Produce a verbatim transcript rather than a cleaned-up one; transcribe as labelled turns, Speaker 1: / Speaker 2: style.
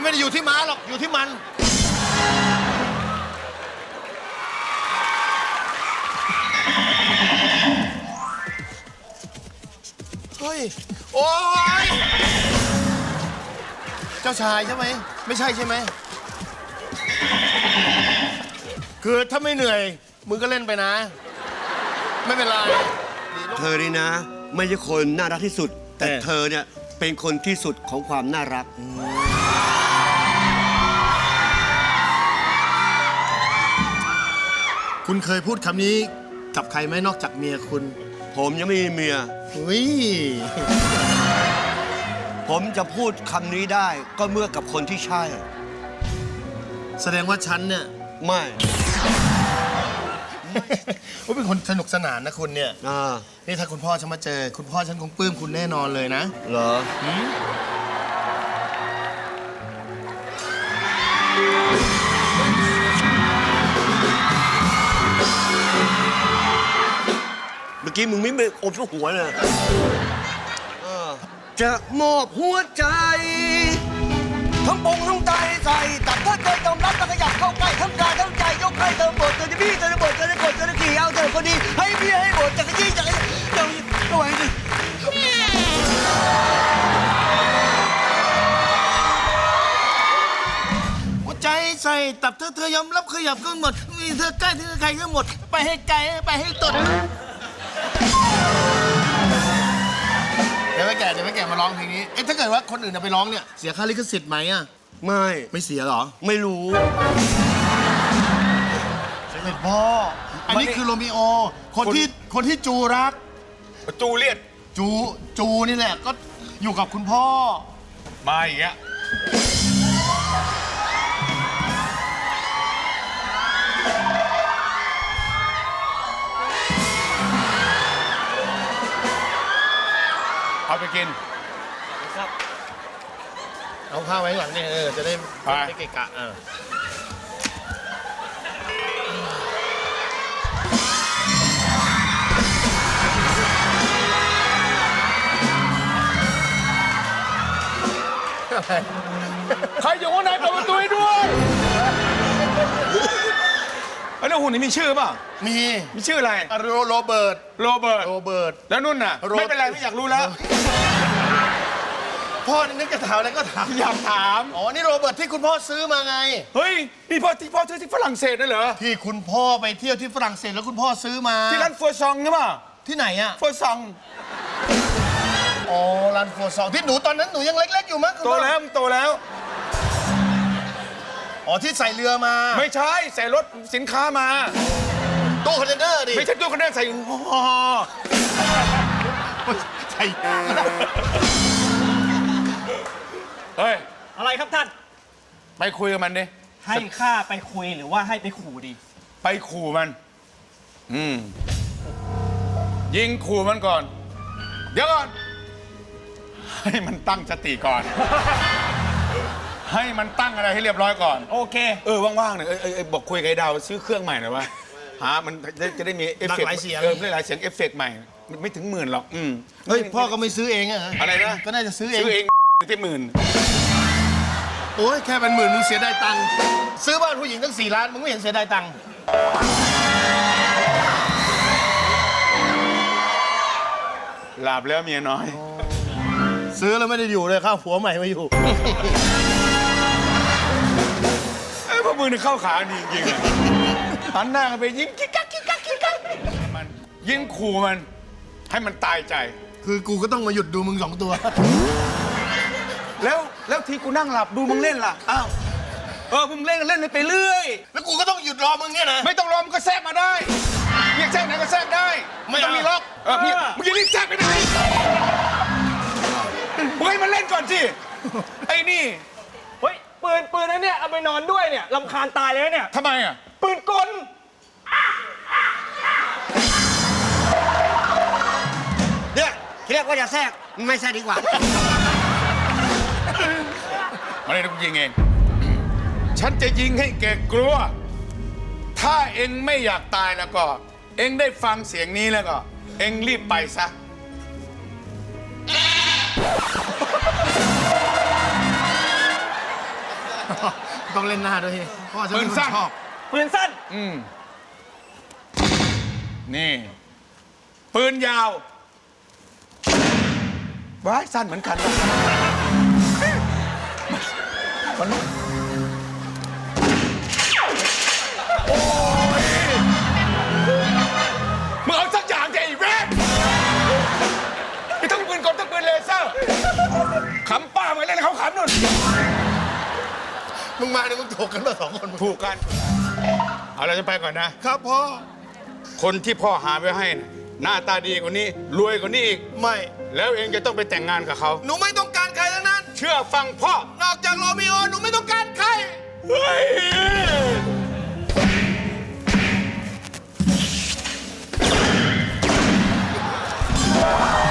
Speaker 1: ไม่ได้อยู่ที่ม้าหรอกอยู่ที่มันเฮ้ยโอ้ยเจ้าชายใช่ไหมไม่ใช่ใช่ไหมคือถ้าไม่เหนื่อยมึงก็เล่นไปนะไม่เป็นไร
Speaker 2: เธอนี่นะไม่ใช่คนน่ารักที่สุดแต่เธอเนี่ยเป็นคนที่สุดของความน่ารัก
Speaker 1: คุณเคยพูดคำนี้กับใครไหมนอกจากเมียคุณ
Speaker 2: ผมยังไม่มีเมีย
Speaker 1: อุ้ย
Speaker 2: ผมจะพูดคำนี้ได้ก็เมื่อกับคนที่ใช่
Speaker 1: แสดงว่าฉันเนี่ย
Speaker 2: ไม่
Speaker 1: ว่าเป็นคนสนุกสนานนะคุณเนี่ยนี่ถ้าคุณพ่อฉันมาเจอคุณพ่อฉันคงปลื้มคุณแน่นอนเลยนะ
Speaker 2: เหรอเมื่อกี้มึงไม่ไปอบทุกหัวเลยจะมอบหัวใจทั้งปงทั้งใจใส่ตัดถ้าเธอยอมรับแล้วขยับเข้าใกล้ทั้งกายทั้งใจยกให้เธอหมดเธอจะบี้เธอจะบดเธอจะกดเธอจะขี่เอาเธอคนดีให้พี่ให้หมดจักรจี้จักรจี้เจ้าก็ไหวดิ
Speaker 1: หัวใจใส่ตับเธอเธอยอมรับขยับก็หมดมีเธอใกล้เธอใครก็หมดไปให้ไกลไปให้ตดเดี๋ยวไม่แก่เดี๋ยวไม่แก่มาร้องเพลงนี้เอ๊ะถ้าเกิดว่าคนอื่นไปร้องเนี่ยเสียค่าลิขสิทธิ์ไหมอ่ะ
Speaker 2: ไม่
Speaker 1: ไม่เสียหรอ
Speaker 2: ไม่รู้
Speaker 1: เสด็จพ่ออันนี้คือโรมิโอคนที่คนที่จูรัก
Speaker 3: จูเลียต
Speaker 1: จูจูนี่แหละก็อยู่กับคุณพ่อ
Speaker 3: มาอีกอะเอาไปกิน
Speaker 1: ครับเอาข้าวไว้หลังนี่เออจะได้ไม่เกะกะอ่า
Speaker 3: ใครอยู่ข้างในเปิดประตูให้ด้วยไอ้น้องหุ่นนี่มีชื่อป่ะ
Speaker 1: มี
Speaker 3: มีชื่ออะไร
Speaker 1: โรโรเบิร์ต
Speaker 3: โรเบิร์ต
Speaker 1: โรเบิร์ต
Speaker 3: แล้วนุ่นน่ะไม่เป็นไรไม่อยากรู้แล้ว
Speaker 1: พ่อนี่นึกจะถามอะไรก็ถาม
Speaker 3: อยากถาม
Speaker 1: อ๋อนี่โรเบิร์ตที่คุณพ่อซื้อมาไง
Speaker 3: เฮ้ยนี่พ่อที่พ่อซื้อที่ฝรั่งเศสนั่นเหรอ
Speaker 1: ที่คุณพ่อไปเที่ยวที่ฝรั่งเศสแล้วคุณพ่อซื้อมา
Speaker 3: ที่ร้านฟัวซองใช่ป่ะ
Speaker 1: ที่ไหนอะ
Speaker 3: ฟัวซอง
Speaker 1: อ๋อร้านฟัวซองที่หนูตอนนั้นหนูยังเล็กๆอยู่มั้ง
Speaker 3: โตแล้วโตแล้ว
Speaker 1: อ๋อที่ใส่เรือมา
Speaker 3: ไม่ใช่ใส่รถสินค้ามา
Speaker 1: ตู้คอนเทนเนอร์ดิ
Speaker 3: ไม่ใช่ตู้คอนเทนเนอร์ใส่ห่อ
Speaker 1: ใช่
Speaker 3: เฮ้ย
Speaker 4: อะไรครับท่าน
Speaker 3: ไปคุยกับมันดิ
Speaker 4: ให้ข้าไปคุยหรือว่าให้ไปขู่ดี
Speaker 3: ไปขู่มันอืมยิงขู่มันก่อนเดี๋ยวก่อนให้มันตั้งสติก่อนให้มันตั้งอะไรให้เรียบร้อยก่อน
Speaker 4: โอเค
Speaker 3: เออว่างๆหน่อยเออเออบอกคุยกับไอ้ดาวซื้อเครื่องใหม่หน่อยวะหามันจะได้มีเอฟเฟกต์เออหลายเสียงเอฟเฟกต์ใหม่ไม่ถึงหมื่นหรอกอืม
Speaker 1: เฮ้ยพ่อก็ไม่ซื้อเองอะ
Speaker 3: อะไรนะ
Speaker 1: ก็น่าจะซื้อเอง
Speaker 3: ซื้อเองที่หมื่น
Speaker 1: โอ้ยแค่เป็นหมื่นมึงเสียดายตังค์ซื้อบ้านผู้หญิงตั้งสี่ล้านมึงไม่เห็นเสียดายตังค์
Speaker 3: หลับแล้วเมียน้อย
Speaker 1: ซื้อแล้วไม่ได้อยู่เลยข้าวผัวใหม่มาอยู่
Speaker 3: ไอ้พวกมึงนี่เข้าขาดีจริงๆหันหน้าไปยิงกิ๊กกักกิ๊กกักกิ๊กกักมันยิงขู่มันให้มันตายใจ
Speaker 1: คือกูก็ต้องมาหยุดดูมึงสองตัว
Speaker 3: แล้วแล้วทีกูนั่งหลับดูมึงเล่นล่ะอ้าวเออมึงเล่นเล่นไปเรื่อย
Speaker 1: แล้วกูก็ต้องหยุดรอมึงเนี่ยนะ
Speaker 3: ไม่ต้องรอมึงก็แทรกมาได้เรียกแทรกไหนก็แทรกได้ไม่ต้องมีล็อกเออมึงอย่ารีบแทรกไปไหนมึงให้มันเล่นก่อนสิไอ้นี่
Speaker 4: เฮ้ยปืนปืนนั้นเนี่ยเอาไปนอนด้วยเนี่ยรำคาญตายเลยเนี่ย
Speaker 3: ทำไมอ่ะ
Speaker 4: ปืนกล
Speaker 2: เนี่ยเรียกว่าจะแทรกไม่แทรกดีกว่า
Speaker 3: มาเลยนะกูยิงเองฉันจะยิงให้แกกลัวถ้าเอ็งไม่อยากตายแล้วก็เอ็งได้ฟังเสียงนี้แล้วก็เอ็งรีบไปซะ ม
Speaker 1: ต้องเล่นหน้าด้วยเพราะว่าฉันเป็นคนชอบ
Speaker 4: ปืนสั้น
Speaker 3: อืมนี่ ปืนยาวว้ายสั้นเหมือนกันวะมันโอ้ยมึงเอาสักอย่างเถอะไอ้แว่นมีทั้งปืนกลทั้งปืนเลเซอร์ขำป้ามาเล่นเขาขำนู่น
Speaker 1: มึงมาเนี่ยมึงถูกกันมาสองคน
Speaker 3: ถูกกัน เอาเราจะไปก่อนนะ
Speaker 1: ครับพ่อ
Speaker 3: คนที่พ่อหาไว้ให้น่ะหน้าตาดีกว่านี้ รวยกว่านี้อีก
Speaker 1: ไม่
Speaker 3: แล้วเองจะต้องไปแต่งงานกับเขา
Speaker 1: หนูไม่ต้องการใครทั้งนั้น
Speaker 3: เชื่อฟังพ่อ
Speaker 1: นอกจากโรมิโอหนูไม่ต้องการใคร
Speaker 3: เฮ้ย